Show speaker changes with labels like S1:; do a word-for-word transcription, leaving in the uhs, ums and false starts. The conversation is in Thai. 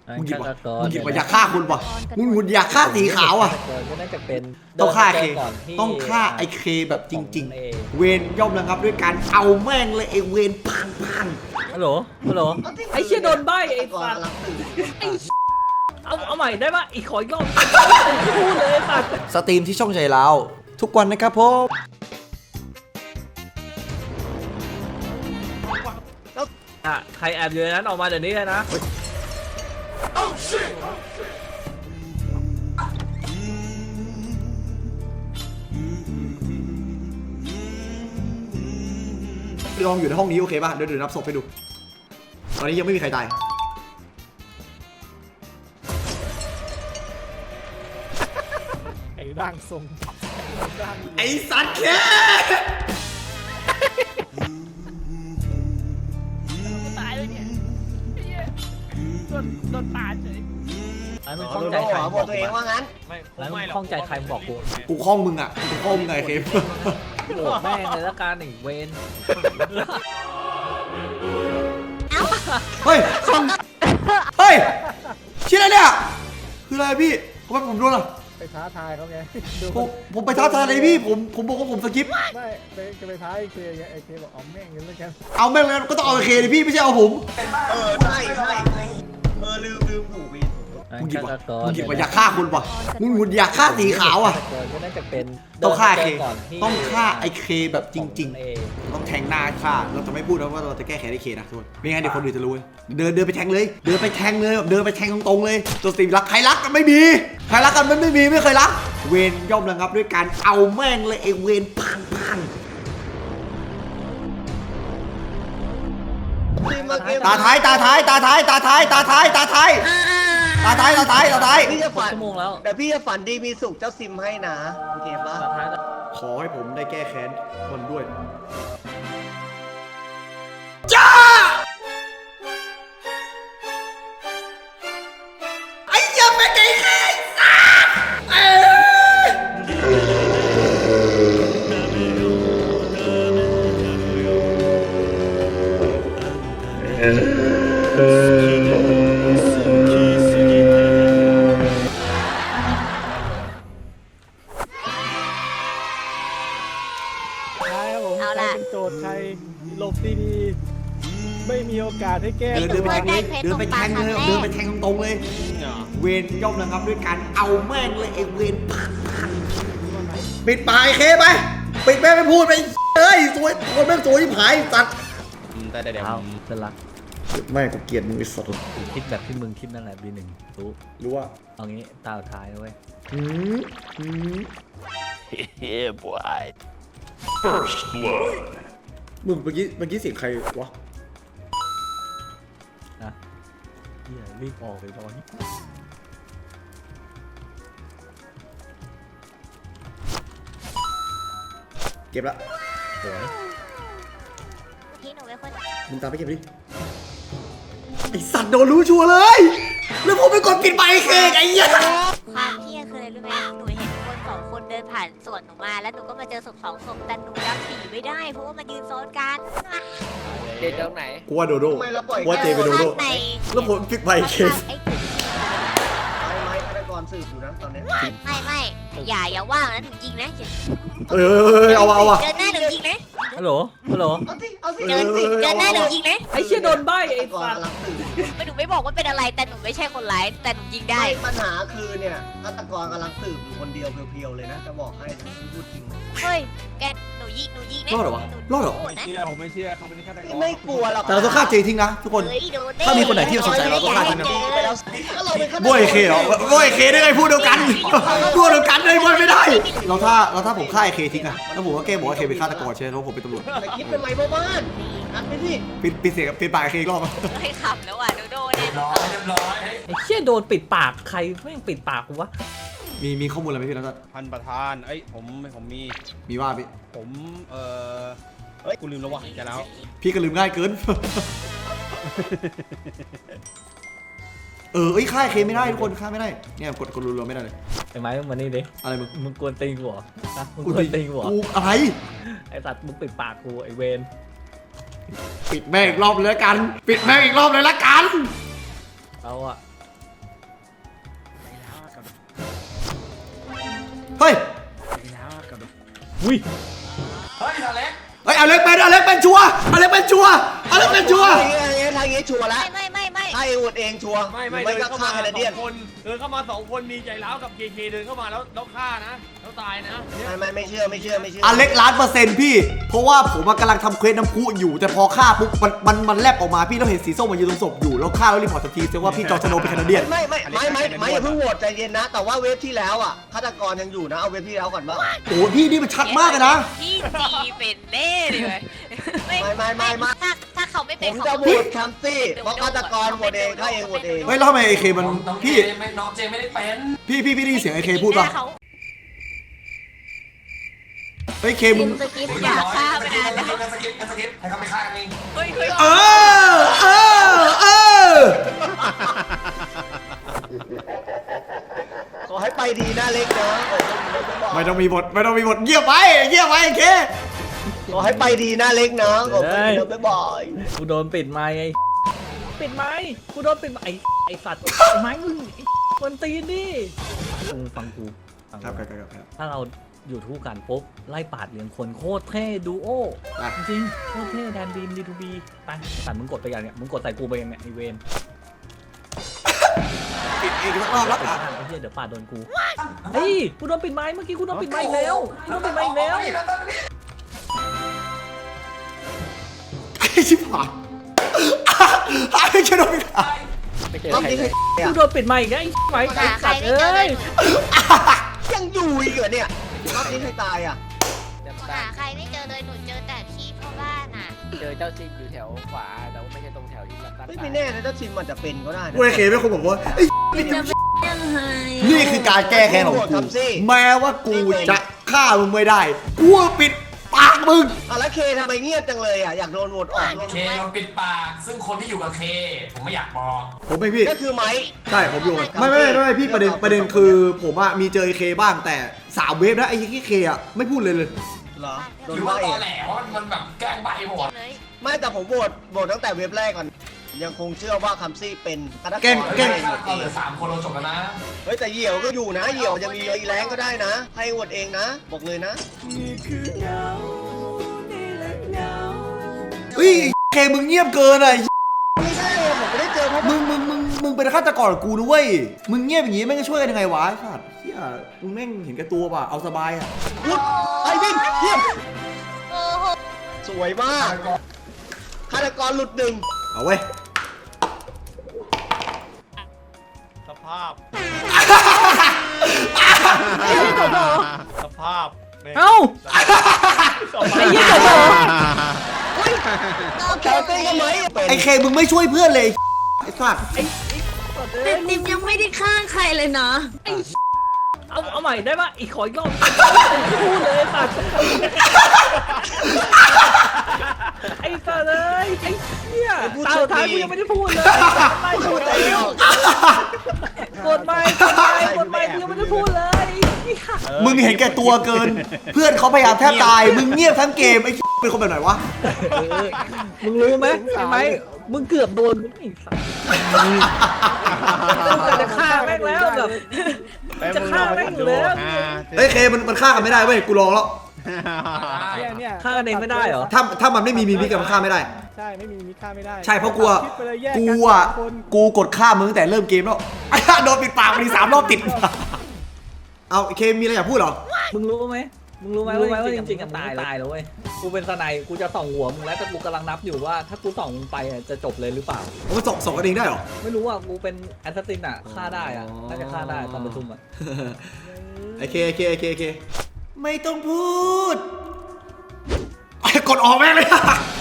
S1: มึงหยิบว่ะมึงหยิบว่ะอยากฆ่าคนว่ะมึงหุ่นอยากฆ่าสีขาวอ่ะ
S2: ก็น่าจะเป็น
S1: ต้องฆ่าเคต้องฆ่าไอเคแบบจริงๆเวนย่อมระงับด้วยการเอาแม่งเลยไอเวนพังพัง
S2: ฮัลโหลฮัลโหลไอ้เชี่ยโดนใบไอ้สัตว์ไอ้เอาเอาใหม่ได้ปะอีกขออีกรอบพูดเลยสัตว์
S1: สตรีมที่ช่องใจเราทุกวันนะครับผม
S2: อ่ะใครแอบอยู่ในนั้นออกมาเดี๋ยวนี้เลยนะ
S1: ลองอยู่ในห้องนี้โอเคป่ะเดี๋ยวเดี๋ยวนับศพให้ดูตอนนี้ยังไม่มีใครตาย
S3: ไอ้ร่างทรง
S1: ไอ้สัตว์แค่
S3: ตายเลยเนี่ยโดนโดนปาดเลย
S2: ไอ้มึงคล้องใจใคร
S4: บอกตัวเองว่างั้น
S3: ไม่
S2: ไอ้มึงคล้องใจใครบอกกู
S1: กูคล้องมึงอ่ะกูคล้องมึงไงเคม
S2: โหแม่งเลยละกันไอ้เวน
S1: เฮ้ยเฮ้ยชื่ออะไรเนี่ยคืออะไรพี่ทำไมผมโดนอ่ะ
S3: ไปท้าทายเขาไงดู
S1: ผมผมไปท้าทายเลยพี่ผมผมบอกว่าผมสกิป
S3: ไม่ไปจะไปท้าไอ้เคไงไอ้เคบอกเอาแม่งกันแล้วกัน
S1: เอาแม่งเลยก็ต้องเอาเคเลยพี่ไม่ใช่เอาผม
S4: เออใช่ใช่เออลืมลืมถูกพี่
S1: มึงหยิบว่ะมึงหยิบว่ะอยากฆ่าคนว่ะมึงหุ่นอยากฆ่าสีขาวอ่ะ
S2: ก็น่าจะเป็น
S1: ต้องฆ่าเค
S2: ก่อนที่
S1: ต้องฆ่าไอเคแบบจริง
S2: เอ
S1: ๆ ต้องแทงหน้าฆ่าเราจะไม่พูดนะว่าเราจะแก้แค้นไอเคนะทุกคนไม่งั้นเดี๋ยวคนอื่นจะรู้เดินเดินไปแทงเลย เดินไปแทงเลยแบบเดินไปแทงตรงๆเลยตัวสตรีมรักใครรักกันไม่มีใครรักกันมันไม่มีไม่เคยรักเวนย่อมระงับด้วยการเอาแม่งเลยไอเวนพังพังตาท้ายตาท้ายตาท้ายตาท้ายตาท้ายตาท้ายตาท้ายตาท้ายตาท้าย
S4: พี่จะฝัน
S2: ชั่วโมงแล้ว
S4: แต่พี่จะฝันดีมีสุขเจ้าซิมให้นะโอเคปะ
S2: สุดท้ายแล้ว
S1: ขอให้ผมได้แก้แค้นมันด้วยจ้าไอ้ยังไม่ได้แค้นสัตว์เอ้ย
S3: ท้ายครับผมใครเป็นโจทย์ใครหลบดีๆไม่มีโอกาสให้แก้
S1: เดินเดินไปแทงเลยเดินไปแทงเลยเดินไปแทงตรงๆเลยเวนย่อมนะครับด้วยการเอาแม่งเลยไอ้เวนพังพังปิดปากไอ้เคไปปิดแม่งไม่พูดไปเอ้ยสวยคนแม่งสวยที่ผายสัตว์
S4: แต่เดี๋ยว
S2: เอาเสร็จละ
S1: แม่กูเกลียดมึงไอ้สัตว์
S2: คิดแบบที่มึงคิดนั่นแหละบีหนึ่งรู้
S1: รู้ว่า
S2: เอางี้ตาสุดท้ายนะเว้ย
S1: อืมอืม
S5: Yeah, boy.
S1: มึงเมื่อกี้เมื่อกี้เสียงใครวะ
S2: นะเฮียรีบออกไปตอนนี้
S1: เก็บละ
S2: สวย
S6: พี่หนูเป็นคน
S1: มึงตามไปเก็บดิไอสัตว์โดนรู้ชัวร์เลยแล้วผมไปกดปิดไปเคกไอ้เหี้ย
S6: ความเที่ยงคืออะไรรู้ไหมหนูเห็นคนสองคนเดินผ่านสวนหนูมาแล้วหนูก็มาเจอศพสองศพแต่หนูจำสีไม่ได้เพราะว่ามันยืนซ้อนกัน
S4: เด็ดตรงไหน
S1: กูว่าโดโด
S4: ทำไมเราปล่อย
S1: กูว่าเจเป็นโดโด
S6: ใน
S1: แล้วผมปิดไปเค
S6: ไอ้
S4: ไม้ไม้ฆาตกรสืบอยู่นะตอนนี้
S6: ไม่ไม่อย่าอย่าว่างนะหนูยิงนะอย่า
S1: เอ้ยเอาเอาอ่ะ
S6: เดินหน้าหนูยิงนะ
S2: ฮัลโหลฮัลโหล
S4: เอาสิเอาสิ
S6: เดินสิเดินหน้าหนูยิงนะ
S2: ไอ้เชี่ยโดนใบไอ้
S4: ฆาตกร
S2: สัตว์
S4: กำลังสืบ
S6: ไม่หนูไม่บอกว่าเป็นอะไรแต่หนูไม่ใช่คนร้ายแต่หนูยิงได้
S4: ไม่ปัญหาคือเนี่ยฆาตกรกำลังสืบอยู่คนเดียวเพียวๆเลยนะจะบอกให้นะพูดจริง
S6: เฮ้ยแกหนูยิงหนูยิงนะ
S1: รอดเหรอวะรอดเหรอ
S3: ไม่เชื่อผมไม่เชื่อเขาเป็นฆาตกร
S4: ไม่กลัวหรอก
S1: แต่เราต้องฆ่าเจทิ้งนะทุกคน
S6: เฮ้ยโดนแ
S1: ถ้ามีคนไหนที่สงสัยเราต้องฆ่าทิ้งนะ
S4: ไปแล้วก็เราเป็นฆาตกร
S1: บวยเคเหรอบวยเคได้ไงพูดเดียวกันพูดเดียวกันได้บวยไม่ได้ เราถ้าเราถ้าผมฆ่าไอเคทิ้งอะแล้วผมก็แก้บอกว่าเคเป็นฆาตกรใช่ไหมเพราะผมเป็นตำรวจ
S4: แต่คิดเป็นไรบ้าบ้านนัดไปสิ
S1: ปิดปิดเสียงปิดปากไอเคอีกรอบอะ
S6: เฮ้ยขับแล้วอ่ะโดโดเนี่ย
S2: ไอ้เชี่ยโดนปิดปากใครแม่งปิดปากกูวะ
S1: มีมีข้อมูลอะไรไหมพี่แล้วก็
S7: ท่านประธาน เอ้ย ผม ผมมี
S1: มีว่าพี่
S7: ผม เอ่อ เฮ้ย กูลืมแล้ววะแกแล้ว
S1: พี่ก็ลืมง่ายเกิน เออเอ้ยฆ่าไอเคไม่ได้ทุกคนฆ่าไม่ได้เนี่ยกดกดรัวๆไม่ได้เลย
S2: ไอ้ไม้มึงมานี่ดิ
S1: อะไรมึง
S2: มึงกวนตีนกูเหรอฮะมึง
S1: กู
S2: กวนตีนกูเหรอ
S1: กูอะไร
S2: ไอ้สัตว์มึงปิดปากกูไอ้เวน
S1: ปิดแม่งอีกรอบเลยละกัน ปิดแม่งอีกรอบเลยละกัน
S2: เอาอะ
S1: เฮ้ย
S3: อุ้ย
S1: เฮ้ยอเล็กเป็นอเล็กเป็นชัวร์อเล็กเป็นชัวร์อเล็กเป็นชัวร์
S4: ทางนี้ทางนี้ชัวร์แล้ว
S6: ไม่ไม่ไม่
S4: ให้อวดเองชัวร์
S7: ไม่ไม่
S4: ไม่
S7: เดิ
S4: ก็
S7: นเข้า
S4: ฆ่า
S7: มา
S4: แคนา
S7: ส
S4: เดีย
S7: อน งคนเดินเข้ามาสองคนมีใจร้าวกับเคเคเดินเข้ามาแล้วแล้วฆ่านะแล้วตายนะเนี่ย
S4: ไม่ไม่ไม่เชื่อไม่เชื่อไม่เชื่อ
S1: อเล็กล้านเปอร์เซ็นต์พี่เพราะว่าผมกำลังทำเควสน้ำพุอยู่แต่พอฆ่าปุ๊บมันมันมันแลบออกมาพี่เราเห็นสีส้มมายืนตรงศพอยู่แล้วฆ่าแล้วรีพอร์ตทันทีแสดงว่าพี่จอร์จโนเป็นแคนาเดียน
S4: ไม่ไม่ไม่ไม่ไม่อย่าเพิ่งโหวตใจเย็นนะ แต่ว่าเวฟที่แล้วอ่ะฆาตกรยังอยู่นะเอาเวฟที่แล้วก่อนว่า
S1: โอ้พี่นี่มันชัดมากเลยนะ
S6: พี่ตีเป็นเล่ดิเว้ย
S4: ไม่ไม่ไม่ไม่
S6: ถ้าถ้าเขาไม่
S4: ผ
S6: เป็น
S4: ม
S6: เขา
S4: จะโหวตคัมซี่เพราะฆาตกรโหวตเองฆ่าเองโหวตเอง
S1: เฮ้ยแล้วทำไมไอเคมันพี่
S5: น้องเจไม่ได้เป็น
S1: พี่พี่พี่ได้ยินเสียงไอเคพูดป่ะ
S6: เขา
S1: เฮ้ยเคมึง
S6: สกิปอยากฆ่าไปนานแล้ว
S5: สกิปสกิปให้เขาไปฆ่ากันเอง
S6: เฮ้ยเฮ้ย
S1: เออเออเออ
S4: ขอให้ไปดีนะเล็กนะ
S1: ไม่ต้องมีบทไม่ต้องมีบทเงียบไปเงียบไปไอเค
S4: ขอให้ไปดีนะเล็กนะขอไปดีนะบ๊ายบาย
S2: กูโดนปิดไม้ไอ้ปิดไม้กูโดนปิดไม้ไอ้ไอ้สัตว์ไอ้ไม้มึงไอ้คนตีนดิเออฟังกูฟัง
S1: ครับค
S2: กู
S1: รับครับ
S2: ถ้าเราอยู่ทู่กันปุ๊บไล่ปาดเหรียญคนโคตรเท่ดูโอ
S1: อ่ะ
S2: จริงๆโคตรเท่แดนบีมดีทูบีไปสัตว์มึงกดไปอย่างเนี้ยมึงกดใส่กูไปอย่างเนี้ยไอเวน
S1: ปิดอีกสักรอบแล้ว
S2: ไอ้
S1: อ่ะ
S2: ข้างไอ้เหี้ยเดี๋ยวปาดโดนกูเฮ้ยกูโดนปิดไม้เมื่อกี้กูโดนปิดไม้อีกแล้วกูโดนปิดไม้อีกแล้ว
S1: ไอ้ชิบหายไอ้แค่โดนปิด
S2: ไม่เจอ
S4: รอบ
S2: ใคร
S4: นี้
S2: เล
S4: ใคร
S2: ยกูโดนปิดไม้อีกแล้วไอ้ไม้ไอ้
S6: หาใคร
S2: สัตว์
S6: ไม่เจอ
S2: เอ้
S6: เลย ย
S4: ยังอยู่อีกเหรอเนี่ยรอบนี้ใครตายอ่ะ
S6: หาใครไม่เจอเลยหนูเจอแต่ที่พ่อบ้านอ่ะ
S8: เจอเจ้าซิงอยู่แถวขวาแต่ว่าไม่ใช่ตรงแถวที่ลัด
S4: ไม่ไม่แน่นะเจ้าชินมันจะเป็นก็ได้นะ
S1: กูไอ้เคไม่คงบอกว่าไอ้
S6: จะเป็นยังไง
S1: นี่คือการแก้แค้นของกูแม้ว่ากูจะฆ่ามึงไม่ได้กูปิดปากมึง
S4: อ่ะแล้วเคทำไมเงียบจังเลยอ่ะอยากโดนโหวตออก
S5: เคโดนปิดปาก ซึ่งคนที่อยู่กับเค ผมไม่อยากบอก
S1: ผมไม่พี่
S4: ก็คือไม้
S1: ใช่ผมอยู่ไม่ไม่ไม่ไม่พี่ประเด็นประเด็นคือผมอะมีเจอไอเคบ้างแต่สามเวฟนะไอ้ที่เคอะไม่พูดเลยเลย
S4: เหรอโด
S5: ห
S4: น
S5: รือ
S4: ว่า
S5: ว่า
S4: เอ
S5: ตอง แหลว่ามันแบบแกล้งใบหมด
S6: เลย
S4: ไม่แต่ผมโหวตโหวตตั้งแต่เว็บแรกก่อนยังคงเชื่อว่าคัมซี่เป็นฆาตกร
S1: แกล้งแกล้ง
S4: ให้โหวต
S5: เรา
S4: เอ
S5: เหลื
S4: ง
S5: อสามคนเราจบแล้วนะ
S4: เฮ้ยแต่เหยี่ยวก็อยู่นะเหยี่ยวจะมีอีแรงก็ได้นะ ให้โหวตเองนะ บอกเลยนะ
S1: เฮ้ยเคมึงเงียบเกินอะ
S4: ไม่ใช่ผมไม่ได้เจอเพราะ
S1: มึงมึงมึงมึงเป็นฆาตกรกับกูนะเว้ยมึงเงียบอย่างงี้แม่งจะช่วยกันยังไงวะไอ้สัตว์เฮียมึงแม่งเห็นแก่ตัวป่ะเอาสบายอะ
S4: ไอ้วิ่งเยี่ยม
S6: โอ้โห
S4: สวยมากฆาตกรหลุดหนึ่ง
S1: เอาเว้ย
S7: สภาพ
S2: ไอ้เหี้ยจบเหรอ
S7: สภาพนี่
S2: เอ้าไอ้เหี้ยจบเหรอ
S4: แคลเต้ก็ไหมเป็น
S1: ไอเคมึงไม่ช่วยเพื่อนเลยไอ้สัตว์
S9: แต่ติมยังไม่ได้ฆ่าใครเลยนะ
S2: เอาเอาใหม่ได้ปะอีกขออีกรอบไม่พูดเลยไอ้สัตว์ไอ้สัตว์เลยไอ้เหี้ยตาสุดท้ายกูยังไม่ได้พูดเลยไม่พูดแล้วกดไม่กดไม่กดไม่กูยังไม่ได้พูดเลย
S1: มึงเห็นแก่ตัวเกิน เพื่อนเขาพยายามแทบตายมึงเงียบทั้งเกมไอ้เป็นคนแบบไหนวะ
S2: เออมึงรู้ไหมใช่ไหมมึงเกือบโดนไอ้สัตว์จะฆ่าแม่งแล้วแบบจะฆ่าแม่งอยู่แล้ว
S1: เฮ้ยเคมันมันฆ่ากันไม่ได้เว้ยกูลองแล้ว
S3: เนี่ยเนี่ย
S2: ฆ่ากันเองไม่ได้เหรอ
S1: ถ้าถ้ามันไม่มีมีมิกันมันฆ่าไม่ได้
S3: ใช่ไม่มีมีฆ่าไม่ได้
S1: ใช่เพราะกูอะ
S3: คิดไปเลยแยก
S1: กู
S3: น
S1: อะ
S3: สามคน
S1: กูกดฆ่ามึงตั้งแต่เริ่มเกมแล้ว โดนปิดปากมาดีสามรอบติด เอาเคมีอะไรอยากพูดเหรอ
S2: มึงรู้ไหมมึงรู้ไหมว่าจริงๆอะตายตายแล้วเว้ยกูเป็นสไนกูจะส่องหัวมึงแล้วแต่กูกำลังนับอยู่ว่าถ้ากูส่องมึงไปอะจะจบเลยหรือเปล่า
S1: มันส่งส่งกันเองได้เหรอ
S2: ไม่รู้ว่ากูเป็นแอสซัสซินอะฆ่าได้อะน่าจะฆ่าได้ตอนประชุมอะ
S1: ไอเคไอเคไอเคไอเคไม่ต้องพูดไอ้กดออกแม่งเลย